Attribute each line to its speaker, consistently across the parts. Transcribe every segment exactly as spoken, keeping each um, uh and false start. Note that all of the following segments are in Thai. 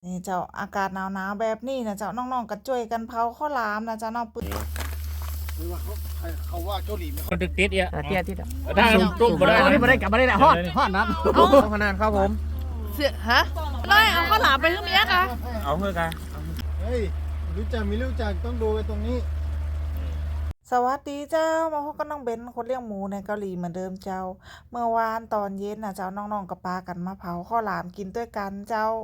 Speaker 1: นี่เจ้าอากาศหนาวๆแบบนี้นะเจ้าน้องๆก็ช่วยกันเผาข้าวหลามนะเจ้าน้องปืน
Speaker 2: หรือว่าเขาเขาว่าเกาหลี
Speaker 3: คนติดติดอ่ะ
Speaker 4: เตี้ยที่อ่ะ
Speaker 3: ได้ตุ้มมาได้
Speaker 4: นี่มาได้กลับมาได้แหละฮอดฮอดนัดเอาขนาดครับผม
Speaker 1: เสียฮะน้อยเอาข้าวหลามไปขึ้นเมียกะ
Speaker 3: เอาเพื่อกัน
Speaker 2: เฮ้ยรู้จักมีรู้จักต้องดูไปตรงนี้
Speaker 1: สวัสดีเจ้ามาพบกับน้องเบนคนเลี้ยงหมูในเกาหลีเหมือนเดิมเจ้าเมื่อวานตอนเย็นนะเจ้าน้องๆกับปากันมาเผาข้าวหลามกินด้วยกันเจ้า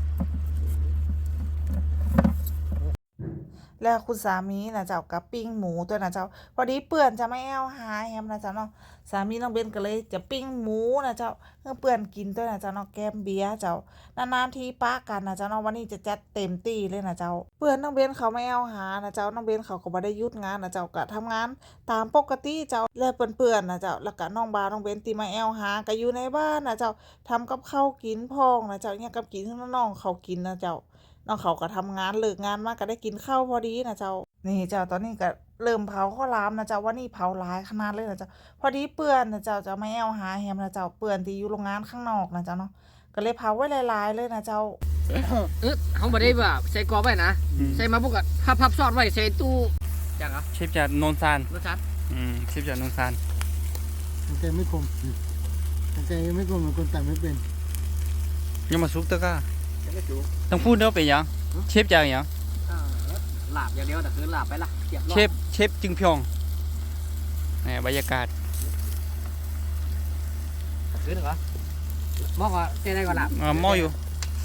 Speaker 1: แล้วคุณสามีนะเจ้ากับปิ้งหมูตัวนะเจ้าพอดีเปื่อนจะไม่เอาหาแฮมนะเจ้าเนาะสามีน้องเบนก็เลยจะปิ้งหมูนะเจ้าเพื่อเปื่อนกินตัวนะเจ้าเนาะแกมเบียร์เจ้านานๆทีป้ากันนะเจ้าเนาะวันนี้จะจัดเต็มตีเลยนะเจ้าเปื่อนน้องเบนเขาไม่เอาหานะเจ้าน้องเบนเขาก็บ่ได้หยุดงานนะเจ้าก็ทำงานตามปกติเจ้าแล้วเปื่อนๆนะเจ้าแล้วก็น้องบาน้องเบนตีมาเอาหาก็อยู่ในบ้านนะเจ้าทำกับข้าวกินพองนะเจ้าเนี่ยกับกินที่น้องเขากินนะเจ้าน้องเขาก็ทำงานเลิกงานมาก็ได้กินข้าวพอดีนะเจ้านี่เจ้าตอนนี้ก็เริ่มเผาข้าวหลามนะเจ้าว่านี่เผาหลายขนาดเลยนะเจ้าพอดีเปื่อนนะเจ้าจะไม่เอาหาแฮมนะเจ้าเปื่อนที่อยู่โรงงานข้างนอกนะเจ้าเนาะก็เลยเผาไว้หลายๆเลยนะเจ้า
Speaker 4: เออเขาบ่ได้แบบใส่กรอบไว้นะใส่มาพวกก็พับพับซอดไว้ใส่ตู้จังอ่ะ
Speaker 3: เชฟจากโนนซาน
Speaker 4: รสชาติ
Speaker 3: อืมเชฟจากโนนซาน
Speaker 2: กางเกงไม่คมกางเกงไม่คมเหมือนคนแต่งไม่เป็น
Speaker 3: ยังมาซุกตะก้าต้องพูดเนาะเป็นยังเชฟจากยัง
Speaker 4: หลาบอย่างเดียวแต่คือหลาบไปละ
Speaker 3: เชฟเชฟจึงพยองนี่บรรยากาศ
Speaker 4: คือเหรอหม้อก็เจ๊ได้ก่อนหลาบ
Speaker 3: อ่าหม้ออยู่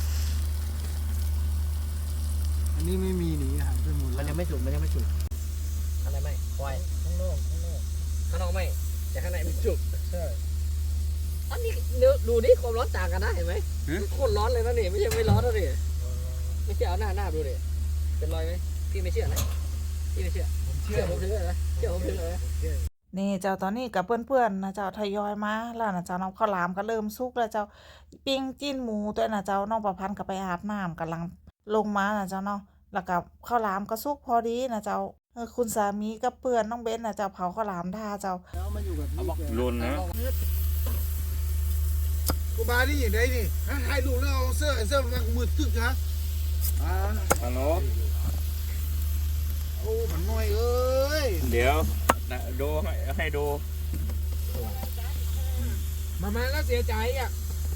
Speaker 2: อันนี้ไม่มีหนีหายไปหมด
Speaker 4: มันยังไม่สุกมันยังไม่สุกอะไรไม่ปล่อยข้างนอกข้างนอกข้างนอกไม่แต่ข้างในมันสุก
Speaker 2: ใช่
Speaker 4: อันนี้เนื้อดูดิความร้อนต่างกันนะเห็นไหมโคตรร้อนเลยนะนี่ไม่ใช่ไม่ร้อนนะนี่ไม่เชื่อเอาหน้าหน้าดูดิเป็นรอยไหมพี่ไม่เชื่อนะพี่ไม่เชื่อผมเชื่อผมเชื่อนะเชื่อผมเชื่อนะ
Speaker 1: นี่เจ้าตอนนี้กับเพื่อนๆนะเจ้าทยอยมาแล้วนะเจ้าน้องข้าวหลามก็เริ่มสุกแล้วเจ้าปิ้งจิ้นหมูตัวนะเจ้าน้องประพันธ์ก็ไปอาบน้ำกำลังลงมานะเจ้าเนาะแล้วกับข้าวหลามก็สุกพอดีนะเจ้าเออคุณสามีกับเพื่อนน้องเบนนะเจ้าเผาข้าวหลามท่าเจ้า
Speaker 2: แล้วมาอยู่กับพี่
Speaker 3: รุนนะ
Speaker 2: กูบานี่อย่างไรนี่ให้ลูกแล้วเอาเสื้อเสื้อมันมืดตึกฮะอ่า
Speaker 3: ฮัลโหล
Speaker 2: โอ้มันน้อยเอ้ย
Speaker 3: เดี๋ยวดูให้ให้ดู
Speaker 4: มามาแล้วเสียใจอ่ะ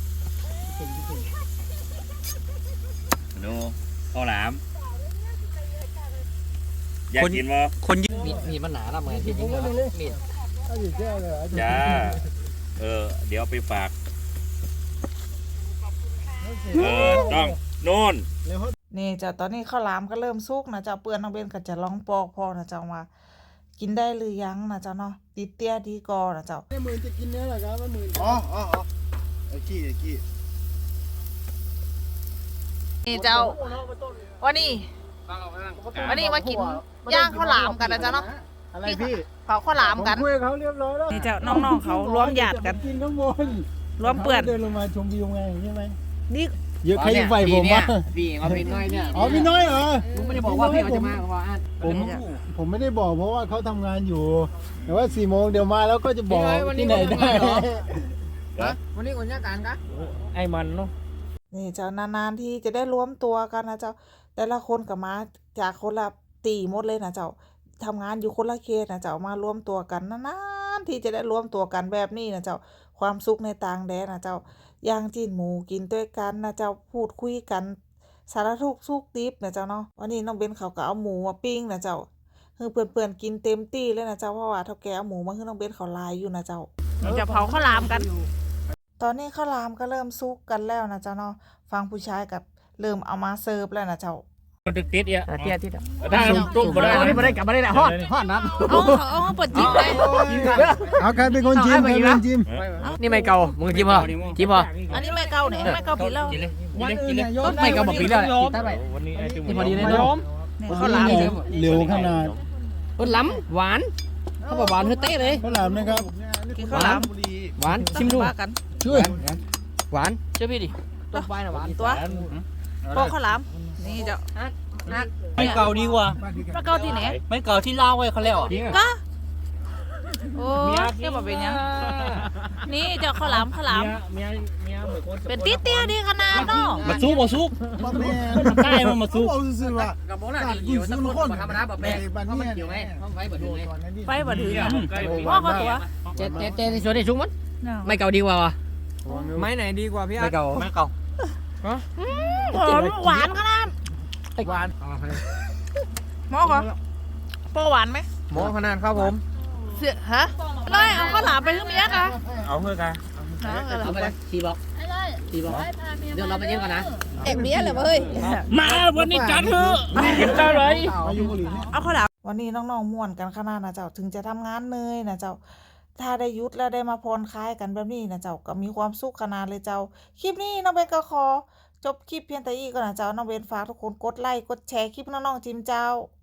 Speaker 3: ดูข้าวหลามอยากกินมั้ยคนยิง
Speaker 4: มีมีมันหนาละเหมือนที่ยิงแล้วมีด
Speaker 3: จ้าเออเดี๋ยวไปฝากเออต้องโน่น
Speaker 1: นี่เจ้าตอนนี้ข้าวหลามก็เริ่มสุกนะเจ้าเปื่อนน้องเบนก็จะลองปอกพอนะเจ้าว่ากินได้หรือยังนะเจ้าเนาะติดเตี้ยดีกอนะเจ้า
Speaker 2: ไอ้หมื่นจะกินเนื้อหรอครับไอ้หมื่นอ๋ออ๋ออ๋อไอ้กี้ไอ้กี้
Speaker 1: นี่เจ้าวันนี้วันนี้มากินย่างข้าวหลามกันนะเจ้าเนาะ
Speaker 2: อะไรพี่
Speaker 1: เผาข้าวหลามกัน
Speaker 2: คุยเขาเรียบร้อยแล้ว
Speaker 1: นี่เจ้าน้องๆเขารวมญาติกัน
Speaker 2: กินข้างบน
Speaker 1: รวมเปื่อน
Speaker 2: เดินลงมาชมวิวไงใช่ไหม
Speaker 1: นี่
Speaker 2: เยอะใครไฟผมวะ
Speaker 4: พี่เอาพี่น้อยเนี่ย
Speaker 2: อ๋อพี่น้อยเหรอ
Speaker 4: ผมไม่ได้บอกว่าพี่เขาจะมาว่า
Speaker 2: ผมผมไม่ได้บอกเพราะว่าเขาทำงานอยู่แต่ว่าสี่โมงเดี๋ยวมาแล้วก็จะบอกที่ไหนได้
Speaker 4: วันนี้คนยากการกะ
Speaker 3: ไอ้มันเนาะ
Speaker 1: นี่เจ้านานๆที่จะได้รวมตัวกันนะเจ้าแต่ละคนกับมาจากคนละตีหมดเลยนะเจ้าทำงานอยู่คนละเขตนะเจ้ามารวมตัวกันนานๆที่จะได้รวมตัวกันแบบนี้นะเจ้าความสุขในต่างแดนนะเจ้าย่างจิ้นหมูกินด้วยกันนะเจ้าพูดคุยกันสารทุกข์สุขดิบนะเจ้าเนาะวันนี้น้องเบนเขาก็เอาหมูมาปิ้งนะเจ้าคือเพื่อนๆกินเต็มที่เลยนะเจ้าเพราะว่าเท่าแก่เอาหมูมาให้น้องเบนเขาลายอยู่นะเจ้าจะเผาข้าวหลามกันตอนนี้ข้าวหลามก็เริ่มสุกกันแล้วนะเจ้าเนาะฟังผู้ชายกับเริ่มเอามาเสิร์ฟแล้วนะเจ้า
Speaker 3: คนติดติดอ่ะ
Speaker 4: เตี้ยที่
Speaker 3: ได้ตุ้มมาได้
Speaker 4: นี่มาได้กลับมาได้แหละฮอดฮอดนัด
Speaker 1: เอาเอาเปิดจิ้มเลย
Speaker 2: เอาใครเป็นคนจิ้มใครเป็นคนจิ้ม
Speaker 4: นี่ไม่เก่ามึงจิ้มเหรอจิ้มเหรอ
Speaker 1: อันนี้ไม่เก่าเนี่ยไม่เก่าปีแล้ว
Speaker 4: ไม่เก่าบอกปีแล้วกินได้ไปนี่พอดีเลยนะ
Speaker 1: ข้าวหลาม
Speaker 2: เร็วขนาด
Speaker 4: เออล้ำหวานเขาบอกหวานเฮ้ยเต้เลย
Speaker 2: ข้าวหลามนะครับ
Speaker 1: กินข้าวหลาม
Speaker 4: หวานชิมดู
Speaker 2: ช่วย
Speaker 4: หวานเชื่อพี่ดิตัวไฟน่ะหวาน
Speaker 1: ตัวพวกข้าวหลามนี่เจ้า
Speaker 3: ไม่เก่าดีกว่า
Speaker 1: ไม่เก่าที่ไหน
Speaker 3: ไม่เก่าที่เล่าไว้เขาแล้ว
Speaker 1: ก็โอ้เจ้าบอกเป็นยังนี่เจ้าข้าวหลามข้าวหลาม
Speaker 3: เมียเมีย
Speaker 1: เป็นตี้เตี้ยดีขนาดเนาะ
Speaker 3: มาซุกมาซุก
Speaker 2: บ่แม่
Speaker 3: ใกล้มันมาซุก
Speaker 2: เอาซื่อๆว่า
Speaker 4: กับโบราณเกี่ยวสักคนธรรมดาแบบแบกเพราะมันเกี่ยวไงเพราะไฟเบิดดูไง
Speaker 1: ไปบ่ถึงอ่ะพ่อก็ตัว
Speaker 4: เจ๊เจ๊เจ๊ในส่วนนี้ชุกมันไม่เก่าดีกว่าวะ
Speaker 5: ไม้ไหนดีกว่าพี่
Speaker 4: ไม่
Speaker 5: อาร์ต
Speaker 4: เก่า
Speaker 3: ไม่เก่า
Speaker 1: หอมหวานขนาด
Speaker 5: หวาน
Speaker 1: หมอก็โปหวานไหม
Speaker 5: หมอขนาดครับผม
Speaker 1: เสียฮะน้อยเอาข้าวหลามไปขึ้นเมียกะ
Speaker 3: เอาเพื่อกัน
Speaker 4: เอาไปเลยสี่บอกสี่บอกเดี๋ยวเราไปเย็นก่อนนะ
Speaker 1: เอ็กเมียเลยเว้ย
Speaker 3: มาวันนี้จัดเถอะกินได้เลย
Speaker 2: มาอยู่เกาหลีเนี่ย
Speaker 1: เอาข้าวหลามวันนี้น้องๆม่วนกันขนาดนะเจ้าถึงจะทำงานเหนื่อยนะเจ้าถ้าได้หยุดแล้วได้มาผ่อนคลายกันแบบนี้นะเจ้าก็มีความสุขขนาดเลยเจ้าคลิปนี้น้องเบนก็ขอจบคลิปเพียงแต่อีกก่อนนะเจ้าน้องเบนฝากทุกคนกดไลค์กดแชร์คลิปน้องๆจิมเจ้า